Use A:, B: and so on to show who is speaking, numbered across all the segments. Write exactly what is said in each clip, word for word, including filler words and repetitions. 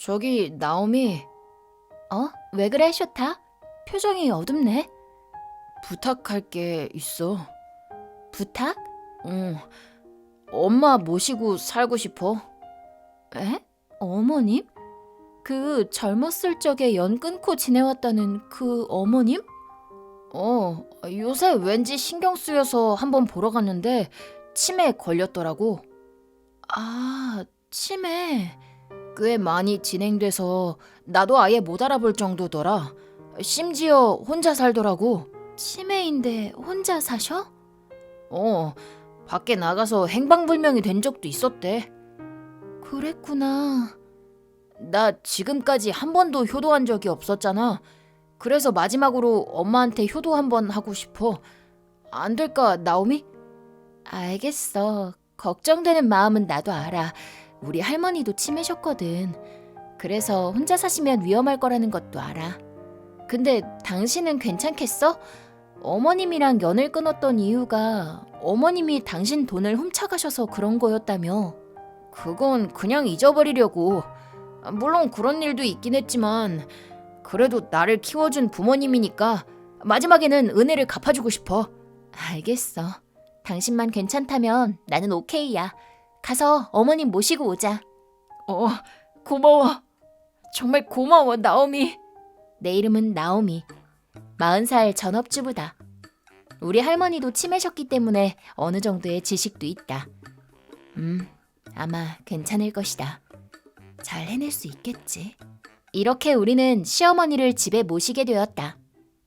A: 저기 나오미. 어? 왜 그래, 쇼타? 표정이 어둡네. 부탁할 게 있어. 부탁? 응. 엄마 모시고 살고 싶어. 에? 어머님? 그 젊었을 적에 연 끊고 지내왔다는 그 어머님? 어, 요새 왠지 신경 쓰여서 한번 보러 갔는데 치매에 걸렸더라고. 아, 치매. 꽤 많이 진행돼서 나도 아예 못 알아볼 정도더라. 심지어 혼자 살더라고. 치매인데 혼자 사셔? 어, 밖에 나가서 행방불명이 된 적도 있었대. 그랬구나. 나 지금까지 한 번도 효도한 적이 없었잖아. 그래서 마지막으로 엄마한테 효도 한번 하고 싶어. 안 될까, 나오미? 알겠어. 걱정되는 마음은 나도 알아. 우리 할머니도 치매셨거든. 그래서 혼자 사시면 위험할 거라는 것도 알아. 근데 당신은 괜찮겠어? 어머님이랑 연을 끊었던 이유가 어머님이 당신 돈을 훔쳐가셔서 그런 거였다며. 그건 그냥 잊어버리려고. 물론 그런 일도 있긴 했지만 그래도 나를 키워준 부모님이니까 마지막에는 은혜를 갚아주고 싶어. 알겠어. 당신만 괜찮다면 나는 오케이야. 가서 어머님 모시고 오자. 어, 고마워. 정말 고마워, 나오미. 내 이름은 나오미. 마흔 살 전업주부다. 우리 할머니도 치매셨기 때문에 어느 정도의 지식도 있다. 음, 아마 괜찮을 것이다. 잘 해낼 수 있겠지. 이렇게 우리는 시어머니를 집에 모시게 되었다.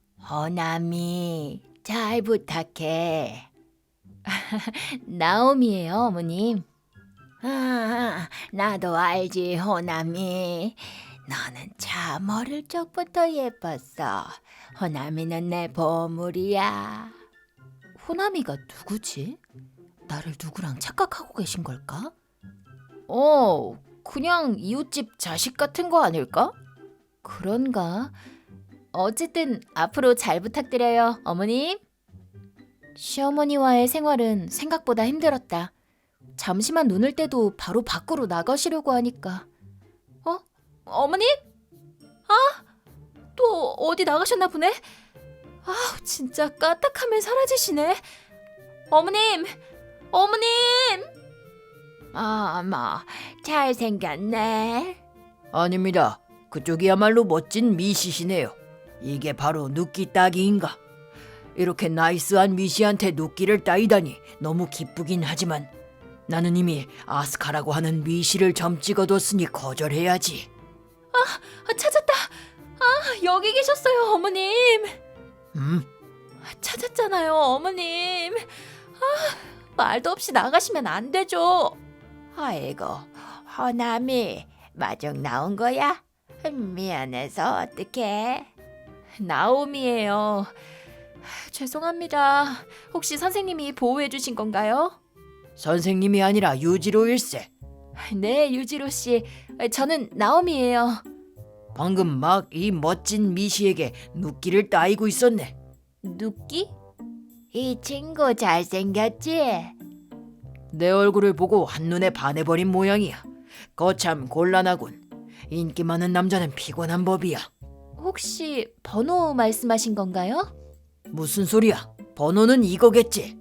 A: 허남이, 잘 부탁해. 나오미예요, 어머님. 아, 나도 알지, 호남이. 너는 참 어릴 적부터 예뻤어. 호남이는 내 보물이야. 호남이가 누구지? 나를 누구랑 착각하고 계신 걸까? 어, 그냥 이웃집 자식 같은 거 아닐까? 그런가? 어쨌든 앞으로 잘 부탁드려요, 어머님. 시어머니와의 생활은 생각보다 힘들었다. 잠시만 눈을 떼도 바로 밖으로 나가시려고 하니까. 어? 어머님? 아, 또 어디 나가셨나 보네? 아, 진짜 까딱하면 사라지시네. 어머님! 어머님! 아, 뭐 잘생겼네.
B: 아닙니다. 그쪽이야말로 멋진 미시시네요. 이게 바로 눕기 따기인가? 이렇게 나이스한 미시한테 눕기를 따이다니 너무 기쁘긴 하지만 나는 이미 아스카라고 하는 미시를 점 찍어뒀으니 거절해야지.
A: 아, 찾았다. 아, 여기 계셨어요, 어머님.
B: 음?
A: 찾았잖아요, 어머님. 아, 말도 없이 나가시면 안 되죠.
C: 아이고, 허남이 마중 나온 거야? 미안해서 어떡해?
A: 나오미예요. 죄송합니다. 혹시 선생님이 보호해 주신 건가요?
B: 선생님이 아니라 유지로일세.
A: 네, 유지로 씨. 저는 나오미예요.
B: 방금 막 이 멋진 미시에게 눕기를 따이고 있었네.
A: 눕기?
C: 이 친구 잘생겼지?
B: 내 얼굴을 보고 한눈에 반해버린 모양이야. 거참 곤란하군. 인기 많은 남자는 피곤한 법이야.
A: 혹시 번호 말씀하신 건가요?
B: 무슨 소리야? 번호는 이거겠지.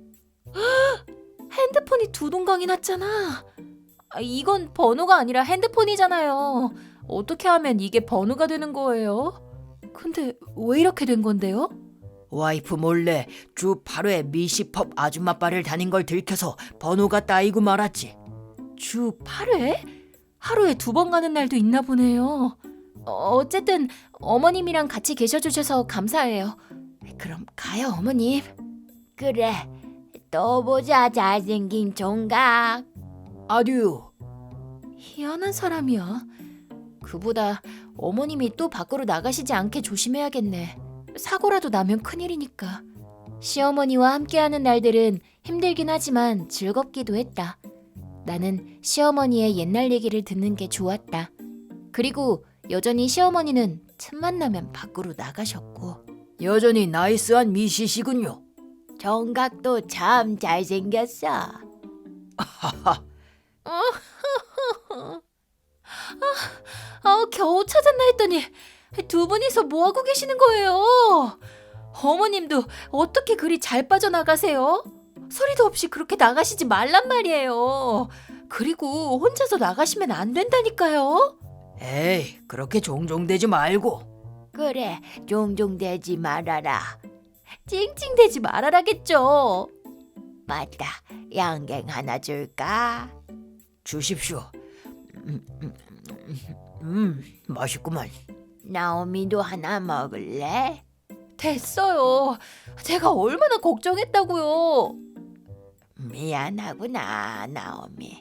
A: 핸드폰이 두 동강이 났잖아. 아, 이건 번호가 아니라 핸드폰이잖아요. 어떻게 하면 이게 번호가 되는 거예요? 근데 왜 이렇게 된 건데요?
B: 와이프 몰래 주 팔 회 미시펍 아줌마바를 다닌 걸 들켜서 번호가 따이고 말았지.
A: 주 팔 회? 하루에 두 번 가는 날도 있나 보네요. 어, 어쨌든 어머님이랑 같이 계셔주셔서 감사해요. 그럼 가요, 어머님.
C: 그래, 또 보자 잘생긴 종각.
B: 아듀.
A: 희한한 사람이야. 그보다 어머님이 또 밖으로 나가시지 않게 조심해야겠네. 사고라도 나면 큰일이니까. 시어머니와 함께하는 날들은 힘들긴 하지만 즐겁기도 했다. 나는 시어머니의 옛날 얘기를 듣는 게 좋았다. 그리고 여전히 시어머니는 틈만 나면 밖으로 나가셨고.
B: 여전히 나이스한 미시시군요.
C: 종각도 참 잘생겼어.
B: 하하.
A: 아, 아, 겨우 찾았나 했더니 두 분이서 뭐 하고 계시는 거예요? 어머님도 어떻게 그리 잘 빠져나가세요? 소리도 없이 그렇게 나가시지 말란 말이에요. 그리고 혼자서 나가시면 안 된다니까요.
B: 에이, 그렇게 종종대지 말고.
C: 그래, 종종 대지 말아라.
A: 찡찡대지 말아라겠죠.
C: 맞다, 양갱 하나 줄까?
B: 주십시오. 음, 음, 음, 음, 맛있구만.
C: 나오미도 하나 먹을래?
A: 됐어요. 제가 얼마나 걱정했다고요.
C: 미안하구나, 나오미.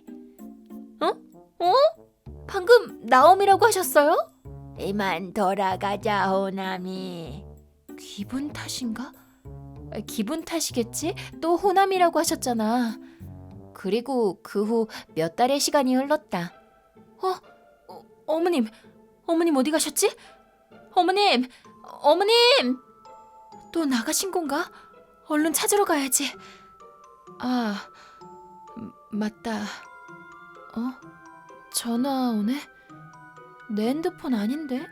A: 어? 방금 나옴이라고 하셨어요?
C: 이만 돌아가자, 호남이.
A: 기분 탓인가? 아, 기분 탓이겠지? 또 호남이라고 하셨잖아. 그리고 그 후 몇 달의 시간이 흘렀다. 어? 어? 어머님, 어머님 어디 가셨지? 어머님, 어머님! 또 나가신 건가? 얼른 찾으러 가야지. 아, 음, 맞다. 어? 전화 오네? 내 핸드폰 아닌데?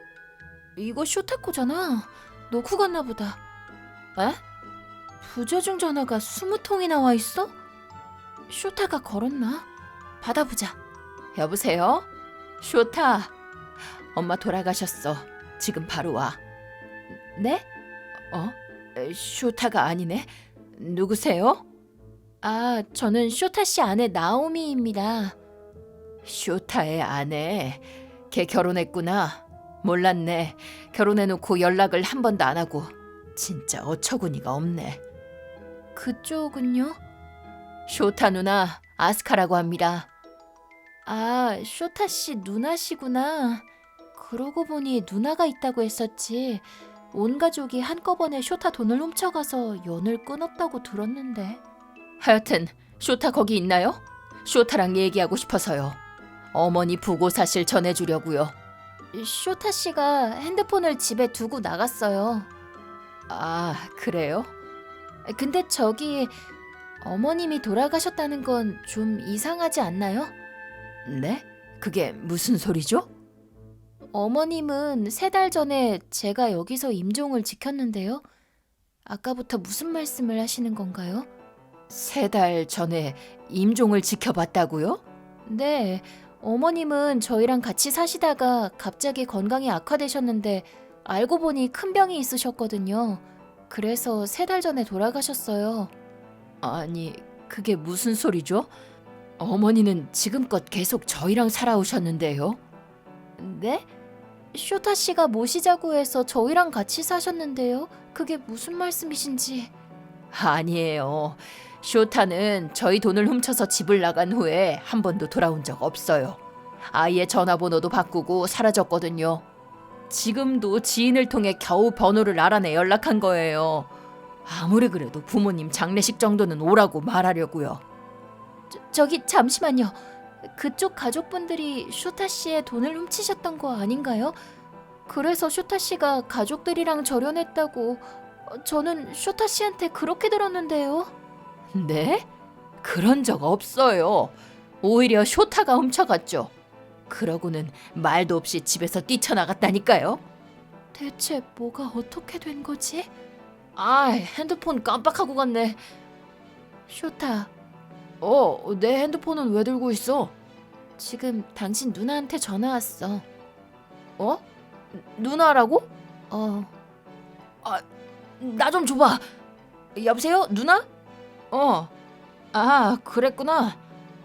A: 이거 쇼타코잖아. 놓고 갔나 보다. 에? 부재중 전화가 스무 통이나 와 있어? 쇼타가 걸었나? 받아보자. 여보세요? 쇼타. 엄마 돌아가셨어. 지금 바로 와. 네? 어? 에, 쇼타가 아니네. 누구세요? 아, 저는 쇼타 씨 아내 나오미입니다. 쇼타의 아내. 걔 결혼했구나. 몰랐네. 결혼해놓고 연락을 한 번도 안 하고. 진짜 어처구니가 없네. 그쪽은요? 쇼타 누나, 아스카라고 합니다. 아, 쇼타 씨 누나시구나. 그러고 보니 누나가 있다고 했었지. 온 가족이 한꺼번에 쇼타 돈을 훔쳐가서 연을 끊었다고 들었는데. 하여튼 쇼타 거기 있나요? 쇼타랑 얘기하고 싶어서요. 어머니 부고 사실 전해주려고요. 쇼타 씨가 핸드폰을 집에 두고 나갔어요. 아, 그래요? 근데 저기 어머님이 돌아가셨다는 건 좀 이상하지 않나요? 네? 그게 무슨 소리죠? 어머님은 세 달 전에 제가 여기서 임종을 지켰는데요. 아까부터 무슨 말씀을 하시는 건가요? 세 달 전에 임종을 지켜봤다고요? 네, 어머님은 저희랑 같이 사시다가 갑자기 건강이 악화되셨는데 알고 보니 큰 병이 있으셨거든요. 그래서 세 달 전에 돌아가셨어요. 아니, 그게 무슨 소리죠? 어머니는 지금껏 계속 저희랑 살아오셨는데요. 네? 쇼타 씨가 모시자고 해서 저희랑 같이 사셨는데요. 그게 무슨 말씀이신지. 아니에요. 쇼타는 저희 돈을 훔쳐서 집을 나간 후에 한 번도 돌아온 적 없어요. 아예 전화번호도 바꾸고 사라졌거든요. 지금도 지인을 통해 겨우 번호를 알아내 연락한 거예요. 아무리 그래도 부모님 장례식 정도는 오라고 말하려고요. 저, 저기 잠시만요. 그쪽 가족분들이 쇼타 씨의 돈을 훔치셨던 거 아닌가요? 그래서 쇼타 씨가 가족들이랑 절연했다고. 저는 쇼타 씨한테 그렇게 들었는데요. 네? 그런 적 없어요. 오히려 쇼타가 훔쳐갔죠. 그러고는 말도 없이 집에서 뛰쳐나갔다니까요. 대체 뭐가 어떻게 된 거지? 아, 핸드폰 깜빡하고 갔네. 쇼타. 어, 내 핸드폰은 왜 들고 있어? 지금 당신 누나한테 전화 왔어. 어? 누나라고? 어. 아, 나 좀 줘봐. 여보세요? 누나? 어. 아, 그랬구나.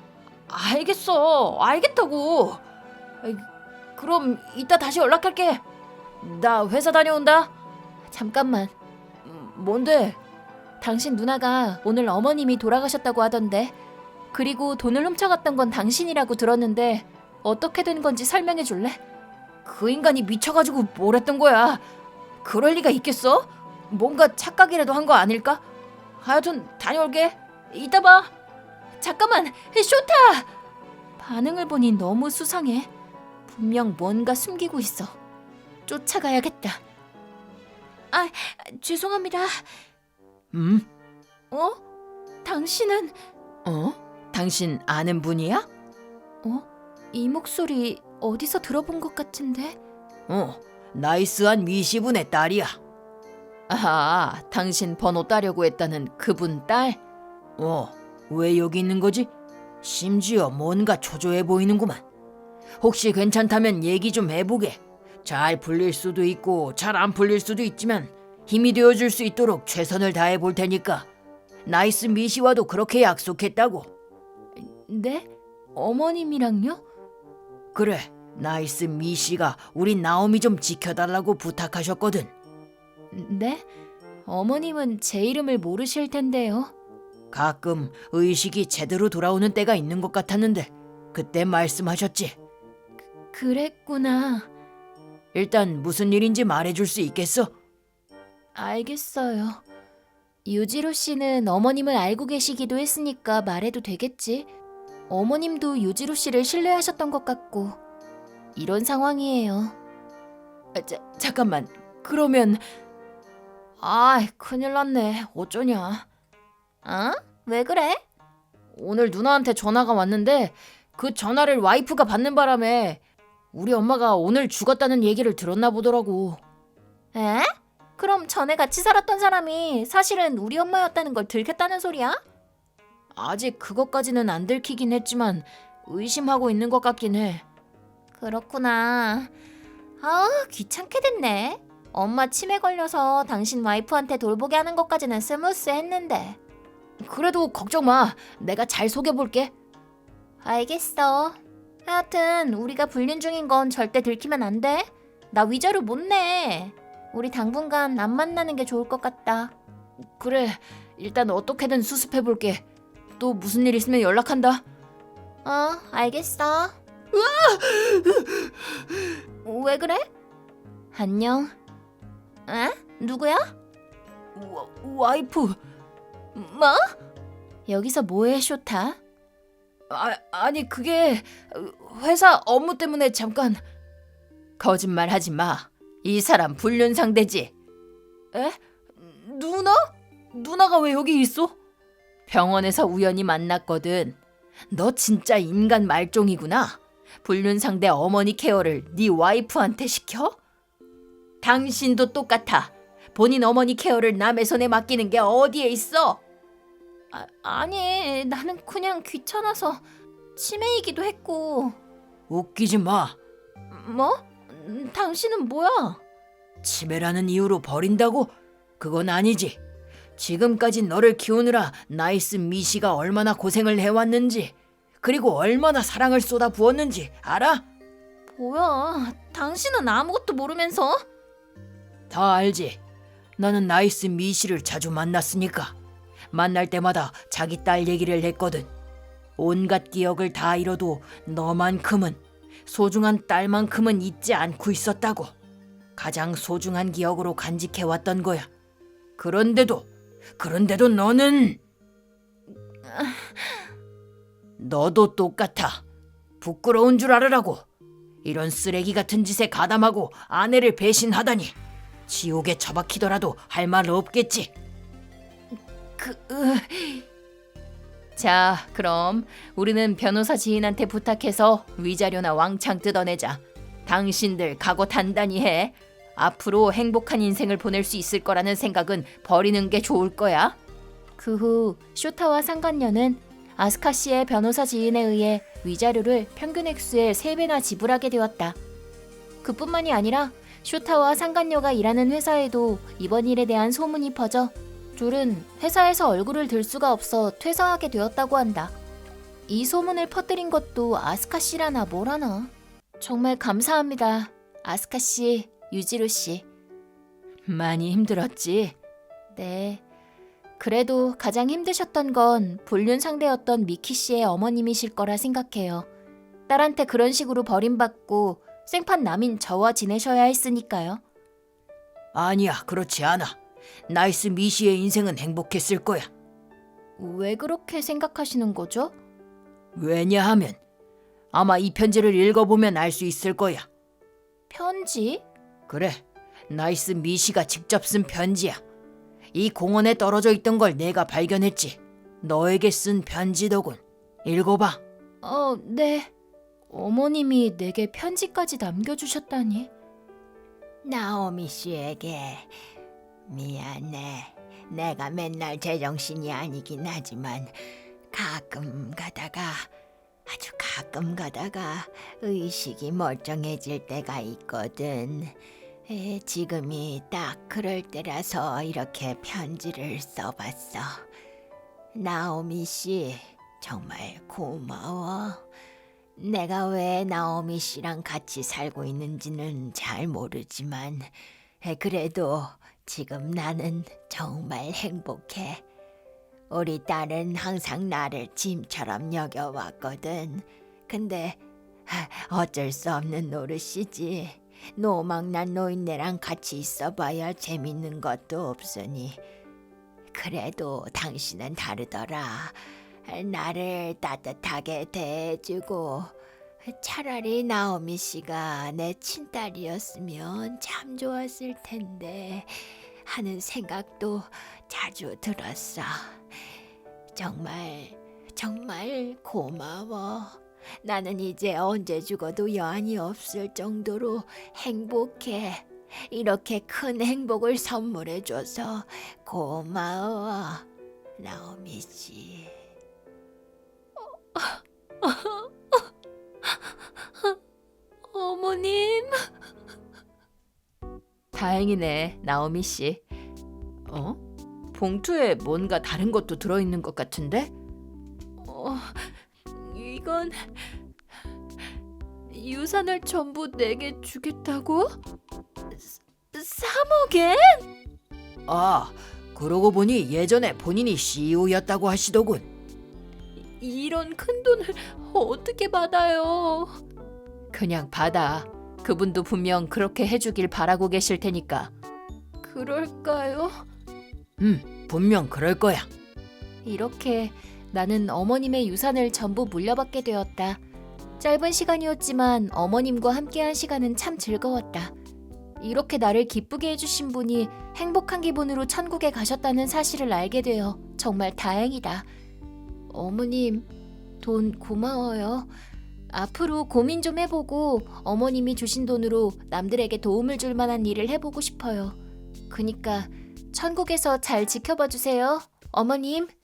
A: 알겠어. 알겠다고. 아이, 그럼 이따 다시 연락할게. 나 회사 다녀온다. 잠깐만. 음, 뭔데? 당신 누나가 오늘 어머님이 돌아가셨다고 하던데. 그리고 돈을 훔쳐갔던 건 당신이라고 들었는데 어떻게 된 건지 설명해 줄래? 그 인간이 미쳐가지고 뭘 했던 거야. 그럴 리가 있겠어? 뭔가 착각이라도 한 거 아닐까? 하여튼 다녀올게. 이따 봐. 잠깐만, 쇼타! 반응을 보니 너무 수상해. 분명 뭔가 숨기고 있어. 쫓아가야겠다. 아, 죄송합니다.
B: 음?
A: 어? 당신은...
B: 어? 당신 아는 분이야?
A: 어? 이 목소리 어디서 들어본 것 같은데?
B: 어, 나이스한 미씨분의 딸이야.
A: 아, 당신 번호 따려고 했다는 그분 딸?
B: 어, 왜 여기 있는 거지? 심지어 뭔가 초조해 보이는구만. 혹시 괜찮다면 얘기 좀 해보게. 잘 풀릴 수도 있고 잘 안 풀릴 수도 있지만 힘이 되어줄 수 있도록 최선을 다해 볼 테니까. 나이스 미씨와도 그렇게 약속했다고.
A: 네? 어머님이랑요?
B: 그래, 나이스 미씨가 우리 나오미 좀 지켜달라고 부탁하셨거든.
A: 네? 어머님은 제 이름을 모르실 텐데요.
B: 가끔 의식이 제대로 돌아오는 때가 있는 것 같았는데 그때 말씀하셨지.
A: 그랬구나.
B: 일단 무슨 일인지 말해줄 수 있겠어?
A: 알겠어요. 유지로 씨는 어머님을 알고 계시기도 했으니까 말해도 되겠지. 어머님도 유지로 씨를 신뢰하셨던 것 같고 이런 상황이에요.
B: 아, 자, 잠깐만. 그러면
A: 아, 큰일 났네. 어쩌냐. 어? 왜 그래? 오늘 누나한테 전화가 왔는데 그 전화를 와이프가 받는 바람에 우리 엄마가 오늘 죽었다는 얘기를 들었나 보더라고. 에? 그럼 전에 같이 살았던 사람이 사실은 우리 엄마였다는 걸 들켰다는 소리야? 아직 그것까지는 안 들키긴 했지만 의심하고 있는 것 같긴 해. 그렇구나. 아, 귀찮게 됐네. 엄마 치매 걸려서 당신 와이프한테 돌보게 하는 것까지는 스무스했는데. 그래도 걱정 마. 내가 잘 속여볼게. 알겠어. 하여튼 우리가 불륜 중인 건 절대 들키면 안 돼. 나 위자료 못 내. 우리 당분간 안 만나는 게 좋을 것 같다. 그래, 일단 어떻게든 수습해볼게. 또 무슨 일 있으면 연락한다. 어, 알겠어. 왜 그래? 안녕. 에? 누구야?
B: 와, 와이프.
A: 뭐? 여기서 뭐해, 쇼타?
B: 아, 아니 그게 회사 업무 때문에 잠깐.
A: 거짓말하지 마. 이 사람 불륜 상대지.
B: 에? 누나? 누나가 왜 여기 있어?
A: 병원에서 우연히 만났거든. 너 진짜 인간 말종이구나. 불륜 상대 어머니 케어를 네 와이프한테 시켜? 당신도 똑같아. 본인 어머니 케어를 남의 손에 맡기는 게 어디에 있어? 아, 아니, 나는 그냥 귀찮아서 치매이기도 했고.
B: 웃기지 마.
A: 뭐? 음, 당신은 뭐야?
B: 치매라는 이유로 버린다고? 그건 아니지. 지금까지 너를 키우느라 나이스 미씨가 얼마나 고생을 해왔는지, 그리고 얼마나 사랑을 쏟아 부었는지 알아?
A: 뭐야? 당신은 아무것도 모르면서?
B: 다 알지. 나는 나이스 미씨를 자주 만났으니까. 만날 때마다 자기 딸 얘기를 했거든. 온갖 기억을 다 잃어도 너만큼은, 소중한 딸만큼은 잊지 않고 있었다고. 가장 소중한 기억으로 간직해왔던 거야. 그런데도 그런데도 너는 너도 똑같아. 부끄러운 줄 알으라고. 이런 쓰레기 같은 짓에 가담하고 아내를 배신하다니. 지옥에 처박히더라도 할 말 없겠지.
A: 그... 으... 자, 그럼 우리는 변호사 지인한테 부탁해서 위자료나 왕창 뜯어내자. 당신들 각오 단단히 해. 앞으로 행복한 인생을 보낼 수 있을 거라는 생각은 버리는 게 좋을 거야. 그 후 쇼타와 상간녀는 아스카 씨의 변호사 지인에 의해 위자료를 평균 액수의 세 배나 지불하게 되었다. 그뿐만이 아니라 쇼타와 상간녀가 일하는 회사에도 이번 일에 대한 소문이 퍼져 둘은 회사에서 얼굴을 들 수가 없어 퇴사하게 되었다고 한다. 이 소문을 퍼뜨린 것도 아스카 씨라나 뭐라나. 정말 감사합니다. 아스카 씨, 유지로 씨.
B: 많이 힘들었지?
A: 네. 그래도 가장 힘드셨던 건 불륜 상대였던 미키 씨의 어머님이실 거라 생각해요. 딸한테 그런 식으로 버림받고 생판 남인 저와 지내셔야 했으니까요.
B: 아니야, 그렇지 않아. 나이스 미씨의 인생은 행복했을 거야.
A: 왜 그렇게 생각하시는 거죠?
B: 왜냐하면 아마 이 편지를 읽어보면 알 수 있을 거야.
A: 편지?
B: 그래, 나이스 미씨가 직접 쓴 편지야. 이 공원에 떨어져 있던 걸 내가 발견했지. 너에게 쓴 편지더군. 읽어봐.
A: 어, 네. 어머님이 내게 편지까지 남겨주셨다니.
C: 나오미 씨에게 미안해. 내가 맨날 제정신이 아니긴 하지만 가끔 가다가 아주 가끔 가다가 의식이 멀쩡해질 때가 있거든. 에, 지금이 딱 그럴 때라서 이렇게 편지를 써봤어. 나오미 씨, 정말 고마워. 내가 왜 나오미 씨랑 같이 살고 있는지는 잘 모르지만 에, 그래도 지금 나는 정말 행복해. 우리 딸은 항상 나를 짐처럼 여겨왔거든. 근데 하, 어쩔 수 없는 노릇이지. 노망난 노인네랑 같이 있어봐야 재밌는 것도 없으니. 그래도 당신은 다르더라. 나를 따뜻하게 대해주고 차라리 나오미 씨가 내 친딸이었으면 참 좋았을 텐데 하는 생각도 자주 들었어. 정말 정말 고마워. 나는 이제 언제 죽어도 여한이 없을 정도로 행복해. 이렇게 큰 행복을 선물해줘서 고마워, 나오미 씨.
A: 어머님. 다행이네, 나오미 씨. 어? 봉투에 뭔가 다른 것도 들어있는 것 같은데? 어, 이건 유산을 전부 내게 주겠다고? 삼억엔?
B: 아, 그러고 보니 예전에 본인이 씨이오였다고 하시더군.
A: 이런 큰 돈을 어떻게 받아요? 그냥 받아. 그분도 분명 그렇게 해주길 바라고 계실 테니까. 그럴까요?
B: 음, 분명 그럴 거야.
A: 이렇게 나는 어머님의 유산을 전부 물려받게 되었다. 짧은 시간이었지만 어머님과 함께한 시간은 참 즐거웠다. 이렇게 나를 기쁘게 해주신 분이 행복한 기분으로 천국에 가셨다는 사실을 알게 되어 정말 다행이다. 어머님, 돈 고마워요. 앞으로 고민 좀 해보고 어머님이 주신 돈으로 남들에게 도움을 줄 만한 일을 해보고 싶어요. 그니까 천국에서 잘 지켜봐 주세요, 어머님.